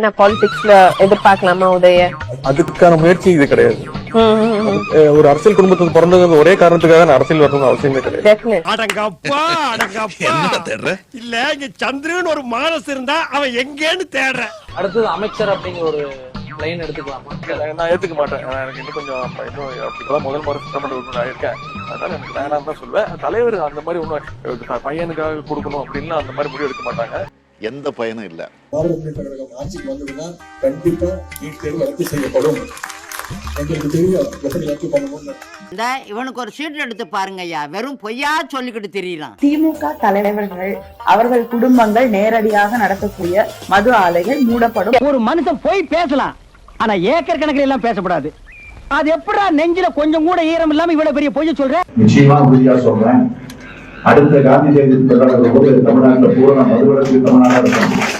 நான் பாலிடிக்ஸ்ல எதிர்பார்க்கலாமா உதய? அதுக்கான முயற்சி இது கிடையாது. ஒரு அரசியல் குடும்பத்துக்கு பிறந்தது ஒரே காரணத்துக்காக நான் அரசியல் வரணும்னு அவசியமே கிடையாது. அடங்கப்பா அடங்கப்பா இல்ல இங்க சந்திரன் ஒரு மானஸ் இருந்தா அவன் எங்கேன்னு தேடுற. அடுத்தது அமைச்சர் அப்படிங்கிற ஒரு லைன் எடுத்துக்கலாமா? நான் ஏத்துக்க மாட்டேன். எனக்கு இன்னும் கொஞ்சம் இப்பதான் முதல் முறை சட்டமன்ற உறுப்பினர் இருக்கேன். அதனால எனக்கு வேணாம் தான் சொல்லுவேன். தலைவர் அந்த மாதிரி ஒன்னும் பையனுக்காக கொடுக்கணும் அப்படின்னு அந்த மாதிரி முடிவு எடுக்க மாட்டாங்க. எந்த பயனும் இல்ல. பாரதிய ஜனதா கழகம் ஆட்சிக்கு வந்ததுன்னா கண்டிப்பா நீட் தேர்வு ரத்து செய்யப்படும். எங்களுக்கு தெரியும் எப்படி ரத்து பண்ணணும்னு. இவனுக்கு ஒரு சீட் எடுத்து பாருங்க ஐயா, வெறும் பொய்யா சொல்லிக்கிட்டு தெரியலாம். திமுக தலைவர்கள் அவர்கள் குடும்பங்கள் நேரடியாக நடத்தக்கூடிய மது ஆலைகள் மூடப்படும். ஒரு மனுஷன் போய் பேசலாம், ஆனா ஏக்கர் கணக்கில் எல்லாம் பேசக்கூடாது. அது எப்படா நெஞ்சில கொஞ்சம் கூட ஈரம் இல்லாம இவ்வளவு பெரிய பொய்ய சொல்ற? நிச்சயமா உறுதியா சொல்றேன், அடுத்த காந்தி ஜெயந்தி தமிழ்நாட்டில் பூரண மதுவிலக்கு தமிழ்நாடு இருக்கும்.